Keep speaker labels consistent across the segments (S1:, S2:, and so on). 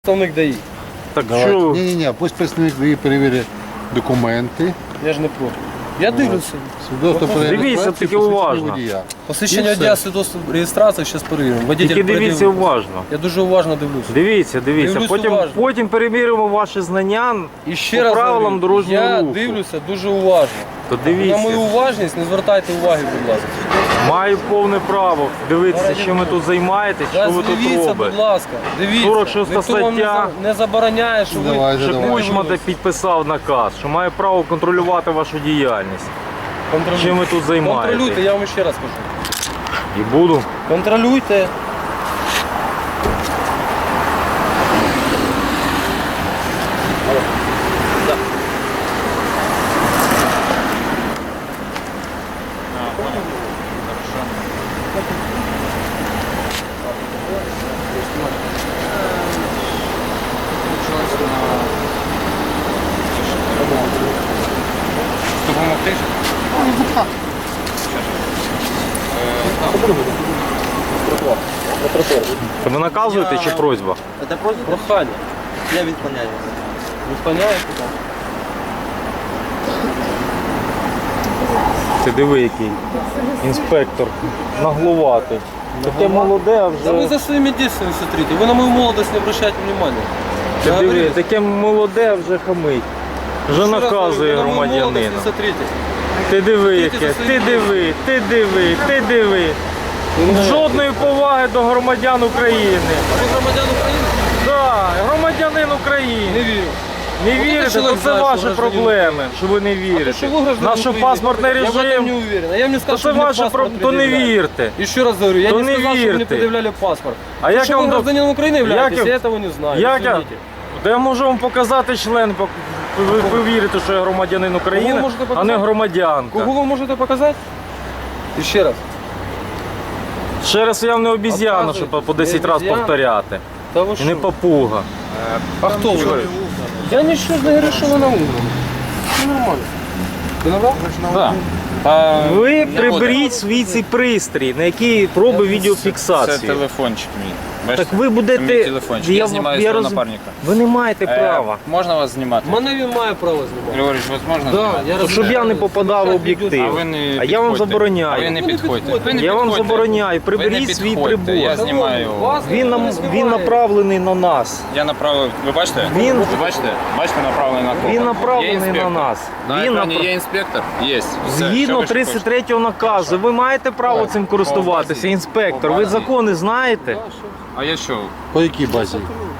S1: Представник ДАІ.
S2: Так
S3: Давайте.
S2: що?
S3: Ні, пусть представник ДАІ перевірить документи.
S1: Я ж не проти. Я дивлюся.
S3: Свідоцтво про
S2: Дивіться,
S3: реєстрацію,
S2: таки
S3: посвідчення
S2: уважно.
S3: водія.
S1: Посвідчення
S3: І все.
S1: водія, свідоцтво реєстрації, зараз перевіримо. Водитель
S2: Тільки дивіться
S1: пред'явив.
S2: уважно.
S1: Я дуже уважно дивлюся.
S2: Дивіться.
S1: Дивлюсь
S2: Потім,
S1: уважно.
S2: потім перевіримо ваші знання
S1: І ще
S2: по
S1: раз
S2: правилам
S1: говорю,
S2: дорожнього
S1: я
S2: руху.
S1: дивлюся дуже уважно.
S2: То
S1: На мою
S2: дивіться,
S1: уважність не звертайте уваги, будь ласка.
S2: маю повне право дивитися, чим ви тут займаєтесь, що ви тут
S1: Дивіться,
S2: робите.
S1: будь ласка, дивіться.
S2: 46
S1: Ніхто вам
S2: стаття.
S1: не забороняє, що ви...
S3: Давайте,
S2: Що
S3: давайте.
S2: Кучма підписав наказ, що має право контролювати вашу діяльність. Чим ви тут займаєтесь?
S1: Контролюйте, я вам ще раз кажу.
S2: І буду.
S1: Контролюйте.
S4: Допомогти?
S2: Ви наказуєте чи просьба?
S5: Это просьба?
S1: Прохання.
S5: Я відклоняю.
S1: Відклоняєте так?
S2: Ти диви, який інспектор наглуватий. Таке молоде, а
S1: Да вы
S2: вже.
S1: за своими действиями смотрите. Вы на мою молодость не обращайте внимания.
S2: Ти
S1: Я
S2: диви,
S1: говорю,
S2: таке молоде, а вже хамить. Вже
S1: еще раз говорю,
S2: наказує
S1: вы на мою молодость
S2: громадянина.
S1: не смотрите.
S2: Ти диви,
S1: Смотрите
S2: яке,
S1: за своїм
S2: ти диви. Жодної поваги до громадян України.
S1: Вы громадян України?
S2: Так, громадянин
S1: Не
S2: України.
S1: вірю.
S2: Не
S1: Вот
S2: вірите,
S1: этот человек
S2: то це
S1: знает,
S2: ваші
S1: что гражданин
S2: проблеми, що ви не
S1: А то,
S2: вірите.
S1: что вы гражданин
S2: Наш
S1: України,
S2: паспортний
S1: я в этом не
S2: режим,
S1: уверен. А я вам не
S2: то
S1: сказал,
S2: це
S1: что мне
S2: ваша
S1: паспорт
S2: проблема, то не
S1: предъявляли.
S2: вірте.
S1: Еще раз говорю, я
S2: То
S1: не
S2: не
S1: сказал, что мне
S2: вірте.
S1: предъявляли паспорт.
S2: А як
S1: Что
S2: я
S1: вы
S2: вам
S1: гражданин Украины являетесь,
S2: як я-
S1: я этого не знаю.
S2: Як я?
S1: извините.
S2: Та я можу вам показати член, ви вірите, що я громадянин України,
S1: можете
S2: а не
S1: показати?
S2: громадянка.
S1: Кого вы можете показать? Еще раз.
S2: Ще раз я вам не обіз'яна,
S1: Показуйте.
S2: щоб по 10
S1: Не
S2: разів
S1: обіз'яна?
S2: повторяти.
S1: Да вы
S2: І
S1: что?
S2: не папуга.
S1: А кто вы? Я ничего не говорю, что вы на уровне. Все нормально. Ты набрал?
S4: Так.
S2: Ви приберіть свій цей пристрій, на який проби
S4: Це
S2: відеофіксацію.
S4: телефончик мій. Бачите?
S2: Так ви
S4: Це мій
S2: будете.
S4: телефончик. Я знімаю свого напарника.
S2: Ви не маєте права.
S4: Можна вас знімати?
S1: Мене він має право знімати.
S4: Григорійович, вас можна
S1: Да,
S4: знімати?
S1: я
S2: Щоб я не попадав в об'єктив.
S4: А ви не
S2: А я вам
S4: підходьте.
S2: забороняю.
S4: А ви не підходьте. Ви не
S2: Я вам
S4: підходьте.
S2: забороняю.
S4: Ви не
S2: Приберіть свій
S4: підходьте.
S2: прибор.
S4: Я знімаю.
S1: Вас
S2: Він
S1: ніхто не
S2: він
S1: знімає.
S2: направлений на нас.
S4: Я направив. Ви бачите?
S2: Він-
S4: Ви бачите? Бачите, направлений на кого?
S2: Він
S4: Є
S2: направлений
S4: інспектор.
S2: на нас.
S4: На
S2: Він
S4: екрані
S2: напра-
S4: є інспектор? Є. Все. Що
S2: Згідно
S4: ви ще хочете?
S2: 33-го наказу, ви маєте право цим користуватися, інспектор. Ви закони знаєте?
S4: А я що?
S3: По якій базі?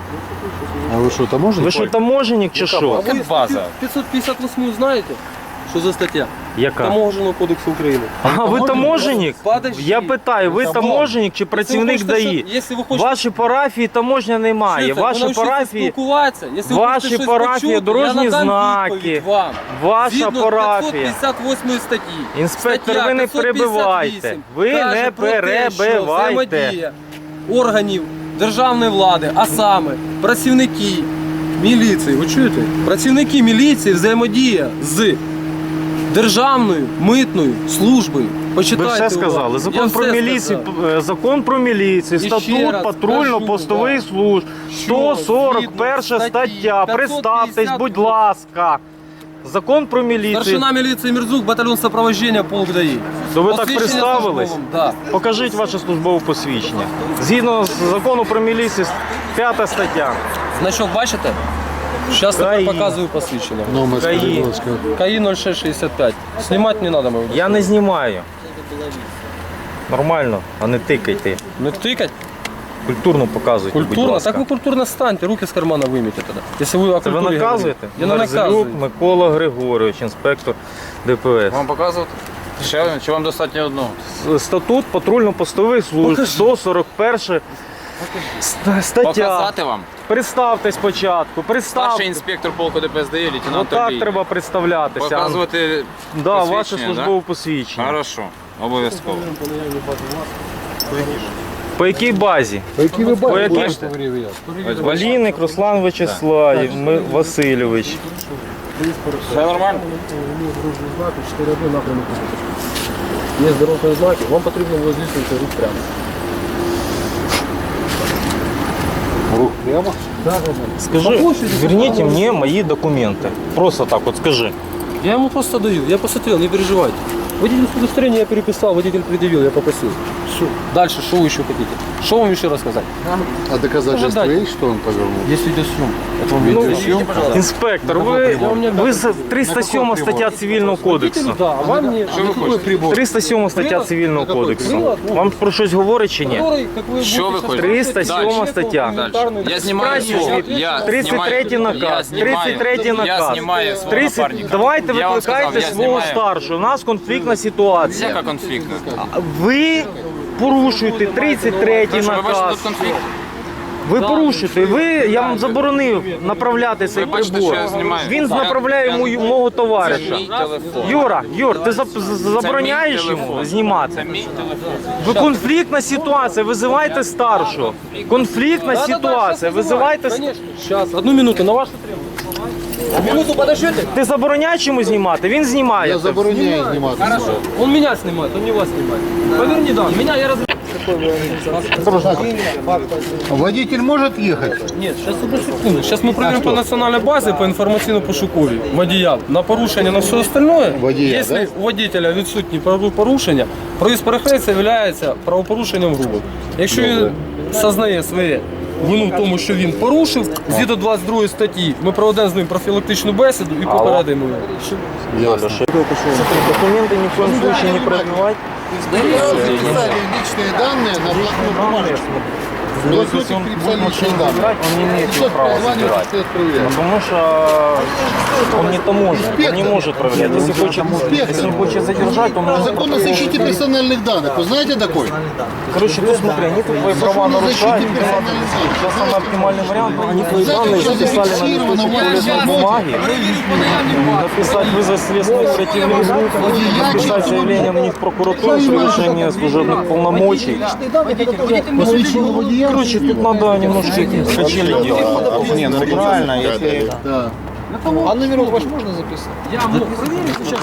S3: А ви що, таможник?
S2: Ви що, таможенник чи
S1: А
S2: що?
S1: ви
S4: Яка база?
S1: 558 знаєте? Що за стаття?
S2: Яка?
S1: Таможенного кодексу України.
S2: А ви таможенник?
S1: Подожди.
S2: Я питаю, ви таможенник чи працівник ДАІ?
S1: Якщо ви хочете
S2: Ваші парафії таможня немає.
S1: Чуєте,
S2: Ваші
S1: ви навчіться
S2: парафії,
S1: спілкуватися. Якщо ви
S2: ваші
S1: хочете щось
S2: парафії,
S1: почути,
S2: дорожні
S1: я надам
S2: знаки.
S1: відповідь вам.
S2: ваша
S1: Згідно
S2: парафія.
S1: 558 статті.
S2: Інспектор,
S1: Стаття
S2: ви не
S1: 558
S2: перебивайте. Ви
S1: каже
S2: не
S1: про те, що
S2: перебивайте.
S1: взаємодія органів державної влади, а саме працівники міліції, ви чуєте? Працівники міліції взаємодія з Державною митною службою.
S2: Ви
S1: Почитайте
S2: все сказали.
S1: уважно. Я
S2: Закон про
S1: все
S2: міліцію,
S1: сказав.
S2: закон про міліцію,
S1: І ще
S2: статут
S1: раз
S2: патрульно-постових
S1: кажу,
S2: служб,
S1: що
S2: 141
S1: згідно
S2: стаття.
S1: статті
S2: Представтесь,
S1: 550,
S2: будь ласка. Закон про міліцію.
S1: Старшина міліції Мірзук, батальйон сопровождения, полк ДАІ.
S2: То ви так
S1: Посвідчення
S2: представились?
S1: службовим, Да.
S2: Покажіть ваше службове посвідчення. Згідно з закону про міліцію, 5 стаття.
S1: Значок бачите? Зараз
S2: КАІ.
S1: тепер показую посвідчення.
S3: Номер,
S2: КАІ.
S3: скажіть, будь ласка.
S1: КАІ 0665. Знімати не треба, мабуть.
S2: Я не знімаю. Нормально, а не тикайте.
S1: Не тикать?
S2: Культурно показуйте, будь
S1: Культурно?
S2: ласка.
S1: Так ви культурно станьте, руки з кармана виймете тоді. Якщо ви о
S2: Це ви
S1: культурі
S2: наказуєте?
S1: говорите. Я не
S2: Мерзлюк
S1: наказую.
S2: Микола Григорович, інспектор ДПС.
S4: Вам показувати? Ще один? Чи вам достатньо одного?
S2: Статут патрульно-постових служб,
S1: Покажи.
S2: 141 стаття.
S4: Показати вам?
S2: Представте спочатку,
S4: Старший
S2: представте.
S4: інспектор полку ДПСД, лейтенант
S2: Отак
S4: Олій.
S2: треба представлятися.
S4: Показувати
S2: Да, ваше
S4: посвідчення,
S2: службове посвідчення.
S4: Хорошо, обов'язково.
S2: По якій базі?
S3: По якій ви
S2: По якій?
S3: бачите? Перевіряти.
S2: Валійник Руслан Вячеславів Васильович.
S4: Все нормально?
S1: Є дорожні знаки, вам потрібно здійснювати рух прямо.
S3: Рух прямо?
S2: Скажи, верните мне мои документы. Просто так вот скажи.
S1: Я ему просто даю, я посмотрел, не переживайте. Водительское удостоверение я переписал, водитель предъявил, я попросил. Все. Дальше, что вы еще хотите? Что вам еще рассказать?
S3: А доказательства
S1: Ожидать.
S3: есть, что он повернул?
S1: Есть видеосъемка. Это вам видеосъемка?
S2: Инспектор, вы за 307 стаття Цивільного кодексу.
S1: Да, а вам не...
S3: Какой прибор?
S2: 307 стаття Цивільного кодексу. Вам про щось говорить чи ні?
S1: Который, как вы
S4: Що ви
S1: будете
S4: хочете?
S2: 307 стаття.
S4: Дальше. Я знімаю свого, я
S2: 33
S4: знімаю,
S2: наказ,
S4: я знімаю,
S2: 33
S4: я
S2: наказ.
S4: знімаю свого
S2: 30
S4: напарника.
S2: Давайте
S4: Я вам
S2: викликайте
S4: сказав, я
S2: свого
S4: знімаю.
S2: старшого. У нас конфліктна ситуація.
S4: Яка конфліктна?
S2: Ви порушуєте 33
S4: Ви бачите
S2: наказ.
S4: тут конфлікт?
S2: Ви порушуєте. Я вам заборонив направляти цей
S4: Ви бачите,
S2: прибор.
S4: що я знімаю?
S2: Він направляє мого товариша.
S4: Мій телефон.
S2: Юр, ти забороняєш
S4: Це мій
S2: йому
S4: телефон.
S2: знімати?
S4: Це мій телефон.
S2: Ви конфліктна ситуація, визивайте старшого. Конфліктна ситуація, визивайте.
S1: Конечно. Сейчас, одну минуту, на ваше требование. Минуту подождите.
S2: Ти забороняєш йому знімати? Він знімає.
S3: Я забороняю сниматься.
S1: Хорошо. Он меня снимает, он не вас снимает. Поверни, да. Меня я раз...
S3: Водитель может ехать?
S1: Нет, сейчас одну секунду. Сейчас мы проверим по национальной базе, по інформаційно-пошуковій водія на порушення, на все остальное.
S3: Водія,
S1: Якщо
S3: да?
S1: у водителя відсутні порушення, проїзд перехрестя є правопорушенням грубо. Якщо він зазнає своє вину в тому, що він порушив, згідно 22 статті, ми проведемо з ним профілактичну бесіду і попередимо його.
S3: Ясно.
S2: Документы ни в коем случае не пробивать.
S3: Переписали личные данные на блокнот бумажки.
S2: Ну,
S3: Блокнотик
S2: если он
S3: переписали
S2: будет машину
S3: личные данные.
S2: забирать, он не имеет
S3: Сейчас
S2: права
S3: позвонит,
S2: забирать.
S3: стоит проверять.
S2: Потому что он не таможенник, он не может проверять. Если он хочет задержать, он может...
S3: Закон о защите персональных данных. Вы знаете такой?
S2: Короче, тут смотри, они тут твои права
S3: Закон о
S2: нарушают.
S3: защите персональных данных.
S2: Сейчас самый оптимальный вариант, они твои данные записали на листочек туалетной бумаги, написать вызов следственной оперативной группы, написать заявление на них в прокуратуру с превышением служебных полномочий.
S3: Посвящение водия.
S2: Короче, тут надо немножко качели делать.
S5: Не, ну правильно, если...
S3: Да.
S5: А номерок ваш можно записать?
S1: Я проверю сейчас.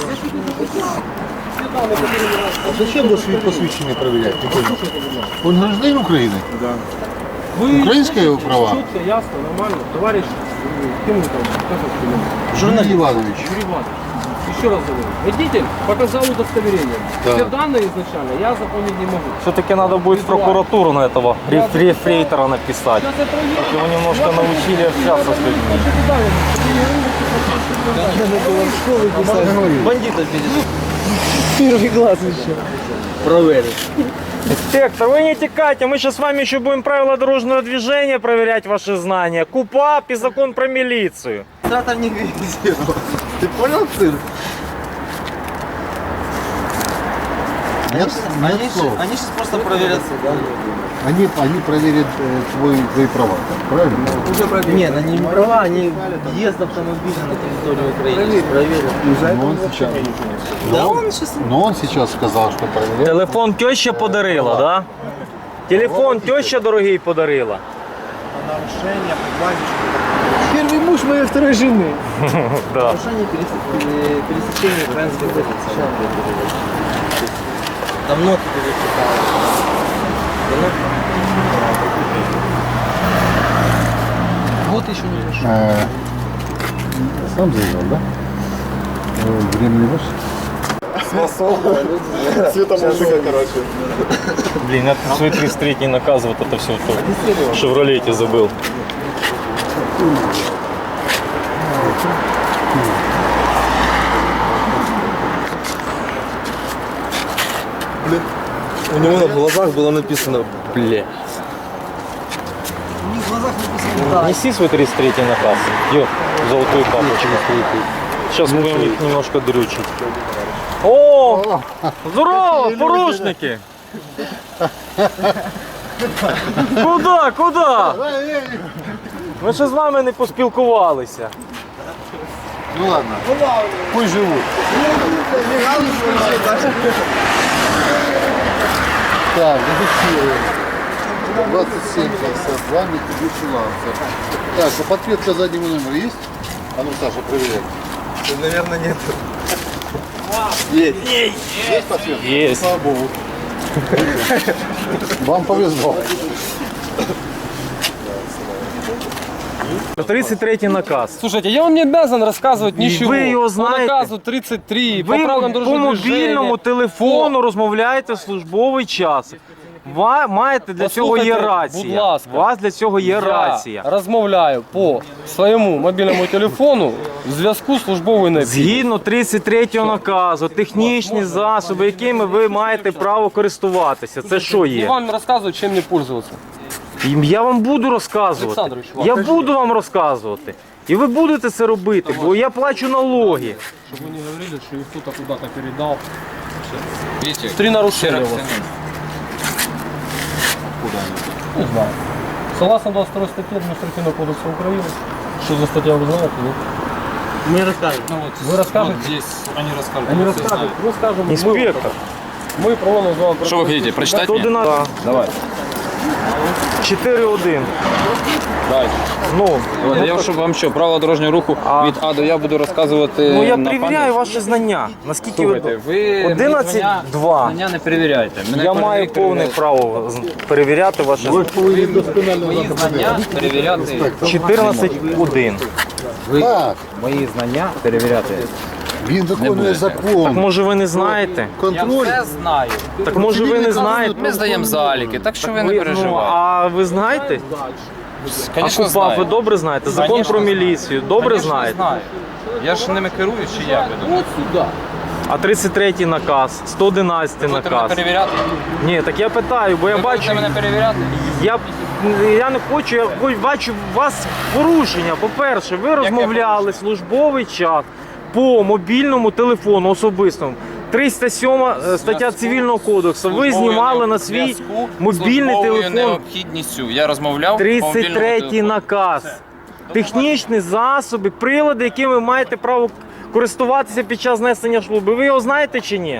S3: Зачем вы свои посвящения проверять? Не понял. Он гражданин Украины?
S1: Вы
S3: Украинские его права?
S1: четко, ясно, нормально. Товарищ, кем вы там? Как вас зовут?
S3: Журналист Иванович.
S1: Юрий Иванович. Еще раз говорю. Водитель показал удостоверение.
S3: Да.
S1: Все данные изначально я запомнить не могу.
S2: Все-таки надо будет в прокуратуру на этого рефрейтора написать.
S1: Сейчас я проверю.
S2: Его немножко научили общаться с людьми.
S5: Бандита видит. Первый глаз еще. Проверить.
S2: Инспектор, вы не текайте, мы сейчас с вами еще будем правила дорожного движения проверять ваши знания. КУПАП и закон про милицию.
S5: Там не везет. Ты понял, цирк?
S3: Нет, нет слов.
S5: Они сейчас просто проверят.
S3: Они проверят твои права, правильно?
S5: Нет, они не права, они въезд автомобиля на территорию Украины проверят.
S3: Но он сейчас сказал, что проверяет.
S2: Телефон теща подарила, да? Телефон теща дорогий подарила.
S5: Первый муж моей второй жены.
S2: Да.
S5: Нарушение пересечения украинской границы. Давно ты пересекал. Вот еще не решил.
S3: Сам заезжал, да? Времени больше?
S2: Блин, я тут свой 33-й наказ, вот это все в Шевролете забыл.
S5: У него на глазах было написано, бля.
S2: Неси свой 33-й наказ. Йо, золотую папочку. Сейчас будем их немножко дрючить. О! Здорово, порушники! Куда? Куда? Ми ще з вами не поспілкувалися.
S3: Ну ладно. Пусть живут. Так, зафиксируем. 2752, Mitsubishi Lancer. Так, а подсветка заднего номера есть? А ну, Саша, проверяй.
S5: Наверное, нет.
S3: Есть подсветка?
S2: Есть.
S3: Слава Богу. Вам повезло.
S2: 33 наказ.
S1: Слушайте, я вам не обязан рассказывать ничего.
S2: вы его
S1: По
S2: знаете.
S1: наказу 33, по
S2: Ви
S1: правилам
S2: по
S1: дорожнього
S2: мобільному
S1: движения.
S2: телефону розмовляєте в службовий час. Маєте для цього є
S1: Послухайте,
S2: рація.
S1: будь ласка.
S2: У вас для цього є рація.
S1: Я розмовляю по своєму мобільному телефону в зв'язку з службовою необхідністю.
S2: Згідно 33 наказу, технічні засоби, якими ви маєте право користуватися. Це що
S1: Я
S2: є?
S1: вам розказую, чим не пользуватися.
S2: Я вам буду розказувати.
S1: Олександрович,
S2: Я буду вам розказувати. І ви будете це робити, бо я плачу налоги.
S1: Щоб ви не говорили, що їх хтось куди-то передав.
S4: Видите?
S1: 3 нарушення у вас. Не знаю. Согласно 22 статті Адміністративного кодексу України, що за стаття ви знаєте, ні?
S5: Мне рассказывают.
S4: Ну вот,
S1: Вы расскажете?
S4: вот здесь они расскажут.
S1: Они
S4: все
S1: розкажуть,
S4: знают.
S1: ми скажемо.
S2: Інспектор.
S1: Ми проводимо з вами
S4: Что вы хотите, прочитать мне?
S2: 111.
S1: Давай.
S2: 4.1.
S4: Давайте.
S2: Ну,
S4: Я щоб вам що, правила дорожнього руху від А до Я буду розказувати.
S2: ну я
S4: на
S2: перевіряю
S4: пам'ять?
S2: ваші знання. Наскільки
S4: Слухайте, ви
S2: 11.2.
S4: знання не перевіряєте. Мене
S2: Я маю
S4: перевіряєте.
S2: повне право перевіряти ваші
S3: Ви повинні досконально
S4: Мої знання перевіряти.
S2: 14.1.
S3: Так,
S4: Мої знання перевіряти.
S3: він виконує
S2: Так
S3: закон.
S2: може ви не знаєте?
S4: Я
S3: Контроль.
S4: все знаю.
S2: Так може ви не знаєте?
S4: Ми здаємо заліки, так що ви не
S2: Ну,
S4: переживайте.
S2: а ви знаєте? А
S4: Звісно,
S2: КУПАП ви
S4: знаю.
S2: добре знаєте? Закон
S4: Конечно,
S2: про
S4: знаю.
S2: міліцію добре
S4: Конечно,
S2: знаєте?
S4: знаю. Я ж ними керую, чи як ви думаєте?
S2: А 33 наказ, 111
S4: Будете мене
S2: наказ.
S4: перевіряти?
S2: Ні, так я питаю, бо я
S4: Ви
S2: бачу,
S4: будете мене перевіряти?
S2: я не хочу, я бачу у вас порушення. По-перше, ви розмовляли службовий час по мобільному телефону особистому. 307 стаття Цивільного кодексу. Ви знімали на свій мобільний
S4: службовою
S2: телефон.
S4: необхідністю. Я розмовляв по мобільному
S2: 33
S4: телефону.
S2: наказ. Технічні засоби, прилади, якими ви маєте право користуватися під час несення служби. Ви його знаєте чи ні?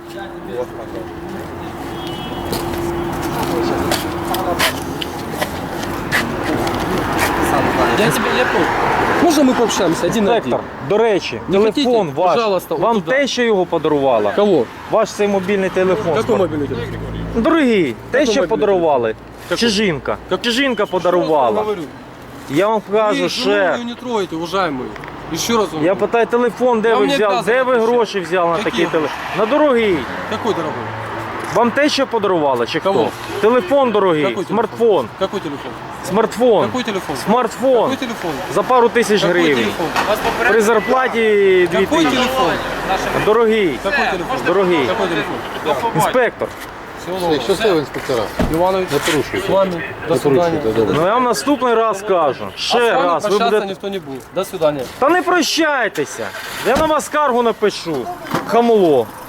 S1: Я тебе не понял. Можно мы пообщаемся один на один?
S2: Інспектор, до речі,
S1: Не
S2: телефон
S1: хотите?
S2: ваш,
S1: Пожалуйста,
S2: вам
S1: вот туда.
S2: теща його подарувала?
S1: Кого?
S2: Ваш цей мобільний телефон.
S1: Какой мобильный телефон?
S2: Дорогий, теща
S1: мобільний
S2: подарували. Чи жінка? Чи жінка подарувала?
S1: Говорю.
S2: Я вам кажу,
S1: Вы
S2: ще.
S1: жену не трогайте, уважаемые. Еще раз вам
S2: Я
S1: говорю.
S2: питаю, телефон де
S1: Я
S2: ви
S1: вам не
S2: взяли?
S1: обязан
S2: Де ви
S1: отвечать.
S2: гроші взяли на
S1: Які
S2: такий
S1: гроші?
S2: телефон? На дорогий.
S1: Какой дорогой?
S2: Вам теща подарувала чи хто?
S1: Кого?
S2: Телефон дорогий,
S1: Какой
S2: смартфон.
S1: Какой телефон?
S2: Смартфон.
S1: Какой телефон?
S2: Смартфон.
S1: Какой телефон?
S2: За пару тисяч
S1: Какой
S2: гривень.
S1: телефон?
S2: При зарплаті 2
S1: Какой
S2: тисячі.
S1: телефон?
S2: Дорогий.
S1: Какой телефон?
S2: Дорогий.
S1: Какой телефон?
S2: Інспектор.
S3: Все, щасливо, інспектора.
S1: Иванович,
S3: Не порушуйте.
S1: с вами. До
S3: Не
S1: свидания.
S3: порушуйте, добре.
S2: Ну я вам наступний раз скажу.
S1: А
S2: Ще
S1: с вами
S2: раз. Ви
S1: прощаться
S2: будете.
S1: никто не будет. До свидания.
S2: Та не прощайтеся. Я на вас скаргу напишу. Хамло.